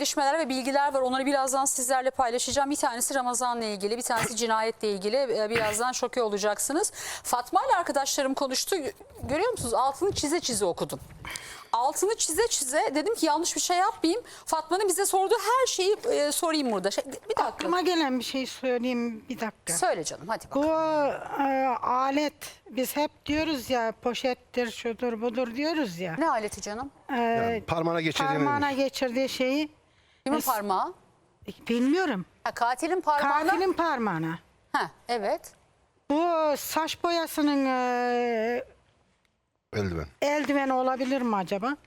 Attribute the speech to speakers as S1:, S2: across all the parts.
S1: gelişmeler ve bilgiler var. Onları birazdan sizlerle paylaşacağım. Bir tanesi Ramazan'la ilgili, bir tanesi cinayetle ilgili. Birazdan şoke olacaksınız. Fatma ile arkadaşlarım konuştu. Görüyor musunuz? Altını çize çize okudum. Altını çize çize dedim ki yanlış bir şey yapmayayım. Fatma'nın bize sorduğu her şeyi sorayım burada. Bir dakika.
S2: Aklıma gelen bir şey söyleyeyim, bir dakika.
S1: Söyle canım, hadi
S2: Bu
S1: bakalım.
S2: alet, biz hep diyoruz ya, poşettir, şudur budur diyoruz ya.
S1: Ne aleti canım?
S3: Parmağına geçirdiğini.
S2: Parmağına geçirdiği şeyi
S1: Kimin parmağı?
S2: bilmiyorum.
S1: Ha, katilin parmağına.
S2: Katilin parmağına.
S1: Ha, evet.
S2: Bu saç boyasının
S3: Eldiven.
S2: eldiveni olabilir mi acaba?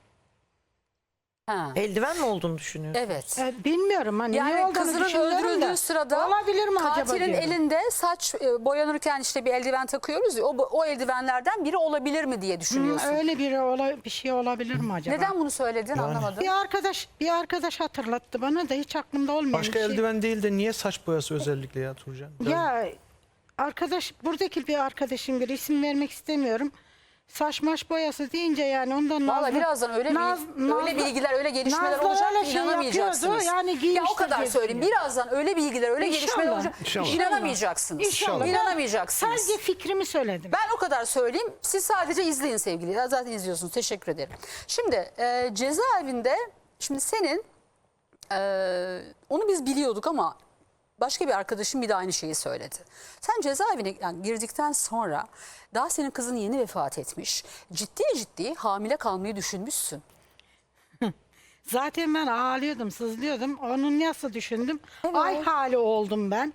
S1: Ha.
S4: Eldiven mi olduğunu düşünüyorsun?
S1: Evet.
S2: Bilmiyorum hani ne
S1: Yani
S2: olduğunu
S1: kızının
S2: düşünüyorum
S1: öldürüldüğü
S2: da.
S1: sırada
S2: olabilir mi acaba
S1: katilin
S2: diyorum.
S1: elinde saç boyanırken işte bir eldiven takıyoruz ya, o eldivenlerden biri olabilir mi diye düşünüyorsun.
S2: Öyle bir şey olabilir mi acaba?
S1: Neden bunu söyledin anlamadım.
S2: Bir arkadaş hatırlattı bana da, hiç aklımda olmayan
S5: Başka
S2: bir şey.
S5: eldiven değil de niye saç boyası özellikle ya Turcan?
S2: Ya arkadaş, buradaki bir arkadaşım, bir isim vermek istemiyorum. Saç maş boyası deyince yani ondan
S1: Vallahi birazdan öyle bilgiler, öyle gelişmeler
S2: Nazlı
S1: olacak
S2: öyle
S1: ki
S2: şey
S1: inanamayacaksınız.
S2: yapıyordu, yani
S1: ya o
S2: giymiştir
S1: kadar
S2: diye
S1: söyleyeyim.
S2: düşünüyorum.
S1: Birazdan öyle bilgiler, öyle gelişmeler
S2: İnşallah.
S1: olacak.
S3: İnşallah.
S1: İnanamayacaksınız.
S2: İnşallah.
S1: İnanamayacaksınız.
S2: Sadece fikrimi söyledim.
S1: Ben o kadar söyleyeyim. Siz sadece izleyin sevgili. Zaten izliyorsunuz. Teşekkür ederim. Şimdi cezaevinde, şimdi senin onu biz biliyorduk ama başka bir arkadaşım bir de aynı şeyi söyledi. Sen cezaevine girdikten sonra daha senin kızın yeni vefat etmiş. Ciddi hamile kalmayı düşünmüşsün.
S2: Zaten ben ağlıyordum, sızlıyordum. Onun nasıl düşündüm?
S1: Evet.
S2: Ay hali oldum ben.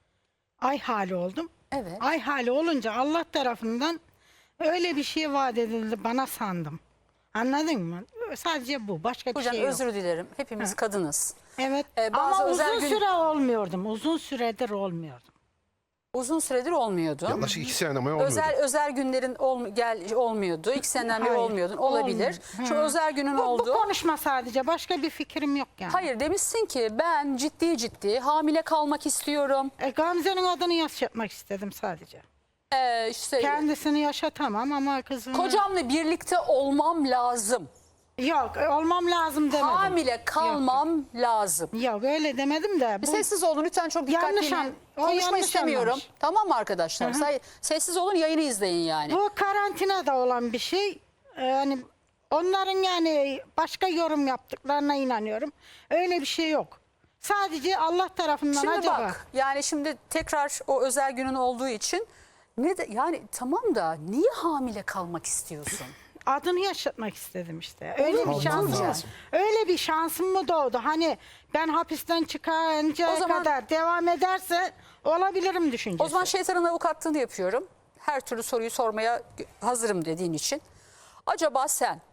S2: Ay hali oldum.
S1: Evet.
S2: Ay hali olunca Allah tarafından öyle bir şey vaat edildi bana sandım. Anladın mı? Sadece bu. Başka bir
S1: Hocam
S2: şey yok.
S1: özür dilerim. Hepimiz kadınız.
S2: Evet.
S1: Bazı
S2: Ama
S1: özel
S2: uzun süre olmuyordum. Uzun süredir olmuyordum.
S1: Uzun süredir olmuyordu.
S3: Yaklaşık 2 sene ama olmuyordu.
S1: Özel günlerin olmuyordu. 2 seneden beri
S2: Hayır,
S1: olmuyordun. Olabilir.
S2: olmuyor.
S1: Şu özel günün
S2: Bu
S1: oldu.
S2: konuşma sadece. Başka bir fikrim yok yani.
S1: Hayır, demişsin ki ben ciddi hamile kalmak istiyorum.
S2: Gamze'nin adını yaşatmak istedim sadece.
S1: İşte
S2: Kendisini yaşatamam ama kızını...
S1: kocamla birlikte olmam lazım.
S2: Yok, olmam lazım demedim.
S1: Hamile kalmam lazım.
S2: Yok, öyle demedim de.
S1: Bir sessiz olun lütfen, çok dikkatli. Konuşma
S2: yanlış
S1: istemiyorum.
S2: anlamış.
S1: Tamam mı arkadaşlar? Sessiz olun, yayını izleyin yani.
S2: Bu karantinada olan bir şey. Yani onların yani başka yorum yaptıklarına inanıyorum. Öyle bir şey yok. Sadece Allah tarafından
S1: Şimdi
S2: acaba.
S1: bak, yani şimdi tekrar o özel günün olduğu için yani tamam da niye hamile kalmak istiyorsun?
S2: Adını yaşatmak istedim işte. Öyle bir şansım.
S3: lazım.
S2: Öyle bir şansım mı doğdu? Hani ben hapisten çıkarıncaya
S1: O zaman-
S2: kadar devam ederse olabilirim düşüncesi.
S1: O zaman şeytanın avukatlığını yapıyorum. Her türlü soruyu sormaya hazırım dediğin için. Acaba sen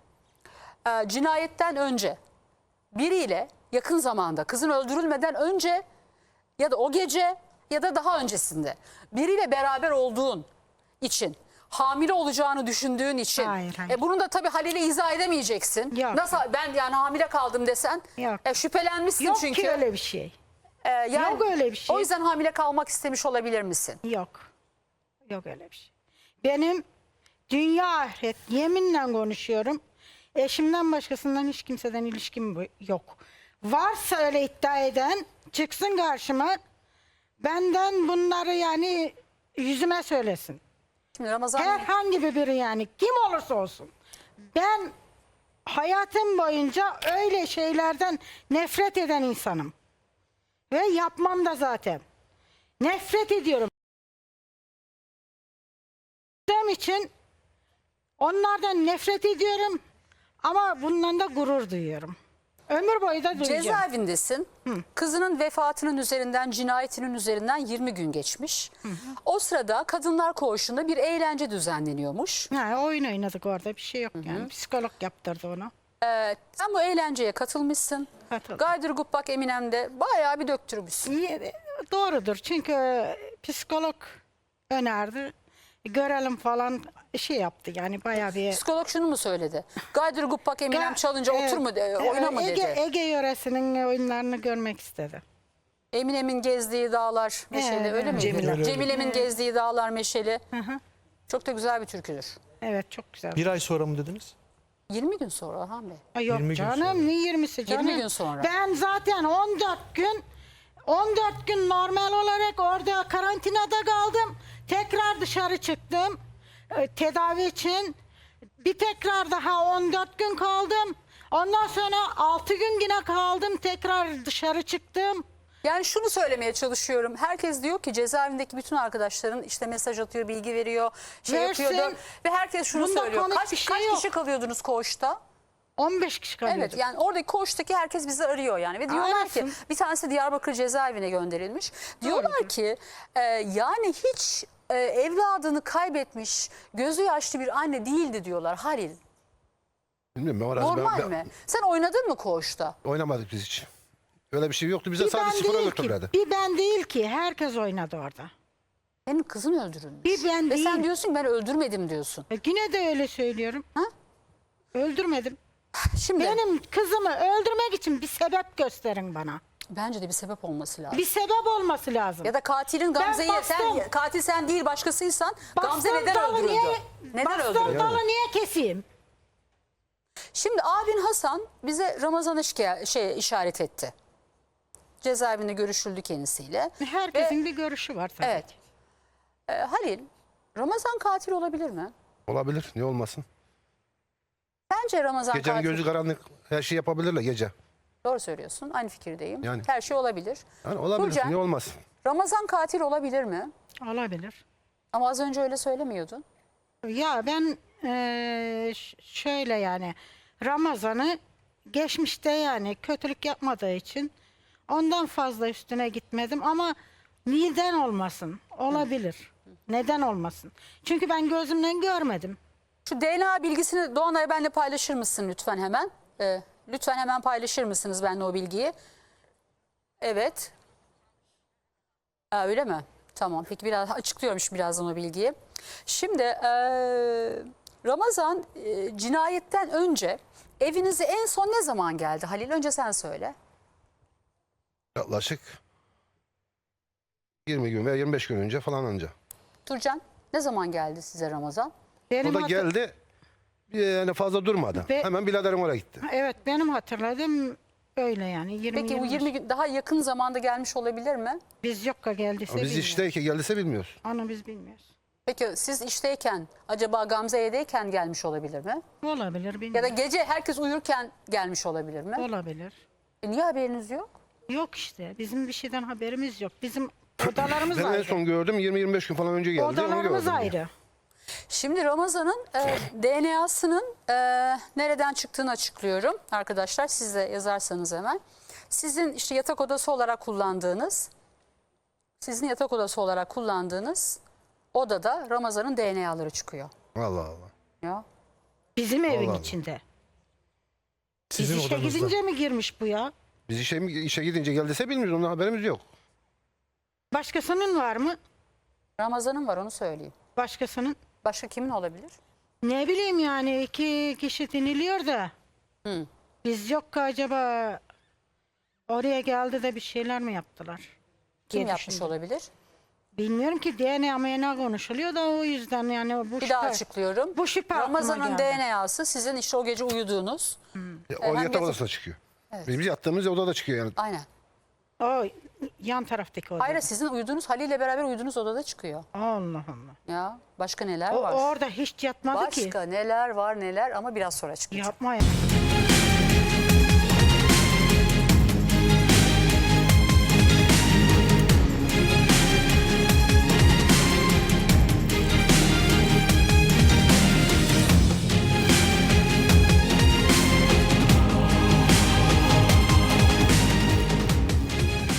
S1: cinayetten önce biriyle yakın zamanda, kızın öldürülmeden önce ya da o gece ya da daha öncesinde biriyle beraber olduğun için, hamile olacağını düşündüğün için,
S2: Hayır, hayır.
S1: Bunu da tabii Halil'e izah edemeyeceksin.
S2: Yok.
S1: Nasıl ben yani hamile kaldım desen,
S2: Yok.
S1: Şüphelenmişsin
S2: Yok
S1: çünkü.
S2: ki öyle bir şey.
S1: Yani
S2: Yok öyle bir şey.
S1: O yüzden hamile kalmak istemiş olabilir misin?
S2: Yok. Yok öyle bir şey. Benim dünya ahiret yeminle konuşuyorum. Eşimden başkasından hiç kimseden ilişkim yok. Varsa öyle iddia eden çıksın karşıma. Benden bunları yani yüzüme söylesin.
S1: Şimdi Ramazan
S2: Herhangi biri yani kim olursa olsun. Ben hayatım boyunca öyle şeylerden nefret eden insanım. Ve yapmam da zaten. Nefret ediyorum. Benim için onlardan nefret ediyorum ama bundan da gurur duyuyorum. Ömür boyu da duyacağım.
S1: cezaevindesin. Kızının vefatının üzerinden, cinayetinin üzerinden 20 gün geçmiş. O sırada Kadınlar Koğuşu'nda bir eğlence düzenleniyormuş.
S2: Ha, oyun oynadık orada, bir şey yok yani. Psikolog yaptırdı onu.
S1: Sen bu eğlenceye katılmışsın.
S2: Katıldım.
S1: Gaydır Gubbak Eminem'de bayağı bir döktürmüşsün.
S2: İyi, doğrudur çünkü psikolog önerdi. Görelim falan şey yaptı yani bayağı bir...
S1: Psikolog şunu mu söyledi? Gaydır Gubbak Eminem çalınca otur mu, oyna mı dedi?
S2: Ege yöresinin oyunlarını görmek istedi.
S1: Eminem'in gezdiği dağlar meşeli, öyle mi? Cemile'min gezdiği dağlar meşeli. Çok da güzel bir türküdür.
S2: Evet, çok güzel.
S5: Bir ay sonra mı dediniz?
S1: 20 gün sonra Orhan Bey.
S2: Ay yok
S5: 20 gün
S2: canım
S5: sonra.
S2: ne 20'si canım.
S1: 20 gün sonra.
S2: Ben zaten 14 gün normal olarak orada karantinada kaldım. Tekrar dışarı çıktım. Tedavi için. Bir tekrar daha 14 gün kaldım. Ondan sonra 6 gün yine kaldım. Tekrar dışarı çıktım.
S1: Yani şunu söylemeye çalışıyorum. Herkes diyor ki cezaevindeki bütün arkadaşların işte mesaj atıyor, bilgi veriyor, şey
S2: Versin.
S1: yapıyordu. Ve herkes şunu
S2: Bunda
S1: söylüyor.
S2: komik
S1: Kaç
S2: bir şey
S1: kişi
S2: yok.
S1: kalıyordunuz koğuşta?
S2: 15 kişi kalıyorduk.
S1: Evet, yani oradaki koğuştaki herkes bizi arıyor yani. Ve diyorlar
S2: Arasın.
S1: ki bir tanesi Diyarbakır cezaevine gönderilmiş. Diyorlar
S2: Doğrudur.
S1: ki yani hiç evladını kaybetmiş gözü yaşlı bir anne değildi diyorlar Halil.
S3: Bilmiyorum, ben orası
S1: Normal
S3: ben
S1: mi? Sen oynadın mı koğuşta?
S3: oynamadık biz hiç. Öyle bir şey yoktu. Bize
S2: Bir
S3: sadece
S2: ben
S3: spora
S2: değil
S3: götürürlerdi.
S2: ki. Bir ben değil ki. Herkes oynadı orada.
S1: Benim kızım öldürülmüş.
S2: Bir ben
S1: Ve sen
S2: değil.
S1: diyorsun ki ben öldürmedim diyorsun.
S2: Yine de öyle söylüyorum.
S1: Ha?
S2: Öldürmedim.
S1: Şimdi
S2: Benim kızımı öldürmek için bir sebep gösterin bana.
S1: bence de bir sebep olması lazım.
S2: Bir sebep olması lazım.
S1: Ya da katilin Gamze'yi sen
S2: bastım.
S1: katil sen değil başkasıysan Gamze
S2: Bastığım
S1: neden
S2: dalı
S1: öldürüldü? Neden
S2: bastığım
S1: öldürüldü?
S2: dalı niye keseyim?
S1: Şimdi abin Hasan bize Ramazan'ı işaret etti. Cezaevinde görüşüldü kendisiyle.
S2: Herkesin bir görüşü var tabii.
S1: Evet. Halil, Ramazan katil olabilir mi?
S3: Olabilir. Niye olmasın?
S1: Bence Ramazan
S3: Gecenin
S1: katil.
S3: gözü karanlık. Her şey yapabilirler gece.
S1: Doğru söylüyorsun. Aynı fikirdeyim.
S3: Yani.
S1: Her şey olabilir.
S3: Yani olabilir.
S1: Nurcan,
S3: Niye olmasın?
S1: Ramazan katil olabilir mi?
S2: Olabilir.
S1: Ama az önce öyle söylemiyordun.
S2: Ya ben şöyle yani Ramazan'ı geçmişte yani kötülük yapmadığı için ondan fazla üstüne gitmedim ama neden olmasın? Olabilir. Neden olmasın? Çünkü ben gözümden görmedim.
S1: Şu DNA bilgisini Doğanay benimle paylaşır mısın lütfen hemen? Lütfen hemen paylaşır mısınız benimle o bilgiyi? Evet. Öyle mi? Tamam. Peki biraz açıklıyormuş birazdan o bilgiyi. Şimdi Ramazan cinayetten önce evinize en son ne zaman geldi Halil? Önce sen söyle.
S3: Yaklaşık 20 gün veya 25 gün önce falan anca.
S1: Turcan ne zaman geldi size Ramazan?
S2: Benim
S3: O da
S2: hatır-
S3: geldi. Yani fazla durmadı.
S2: Ve-
S3: Hemen biraderim oraya gitti.
S2: Evet benim hatırladığım öyle yani 20
S1: Peki bu 20 gün daha yakın zamanda gelmiş olabilir mi?
S2: biz yokka geldiyse
S3: Ama biz
S2: bilmiyoruz.
S3: işteyken geldiyse bilmiyoruz.
S2: Onu biz bilmiyoruz.
S1: Peki siz işteyken acaba Gamze'yedeyken gelmiş olabilir mi?
S2: Olabilir
S1: Ya da
S2: bilmiyorum.
S1: gece herkes uyurken gelmiş olabilir mi?
S2: Olabilir.
S1: Niye haberiniz yok?
S2: Yok işte bizim bir şeyden haberimiz yok. Bizim odalarımız
S3: Ben en
S2: ayrı.
S3: son gördüm 20-25 gün falan önce geldi. Onu
S2: Odalarımız
S3: gördüm.
S2: ayrı.
S1: Şimdi Ramazan'ın DNA'sının nereden çıktığını açıklıyorum. Arkadaşlar siz de yazarsanız hemen. Sizin işte yatak odası olarak kullandığınız odada Ramazan'ın DNA'ları çıkıyor.
S3: Allah Allah.
S1: Ya.
S2: Bizim evin
S3: Allah.
S2: içinde.
S5: Sizin
S2: Biz işe
S5: odanızda.
S2: gidince mi girmiş bu ya?
S3: Biz işe gidince geldiyse bilmiyoruz. Ondan haberimiz yok.
S2: Başkasının var mı?
S1: Ramazan'ın var onu söyleyeyim.
S2: Başkasının.
S1: Başka kimin olabilir?
S2: Ne bileyim yani 2 kişi diniliyor da.
S1: Hı.
S2: Biz yok ki acaba oraya geldi de bir şeyler mi yaptılar?
S1: Kim
S2: diye
S1: yapmış
S2: düşündüm.
S1: olabilir?
S2: Bilmiyorum ki DNA konuşuluyor da o yüzden yani bu
S1: Bir daha açıklıyorum.
S2: Bu şüphe aklıma
S1: Ramazan'ın
S2: geldi.
S1: DNA'sı sizin işte o gece uyuduğunuz.
S3: O
S1: hem
S3: yatak
S1: yatak-
S3: odasına çıkıyor. Biz yattığımız odada çıkıyor yani.
S1: Aynen.
S2: O yan taraftaki oda.
S1: Hayır sizin uyuduğunuz Halil ile beraber uyuduğunuz odada çıkıyor.
S2: Allah Allah.
S1: Ya başka neler
S2: O
S1: var?
S2: orada hiç yatmadı ki.
S1: Başka neler var neler ama biraz sonra çıkacak.
S2: Yapma ya.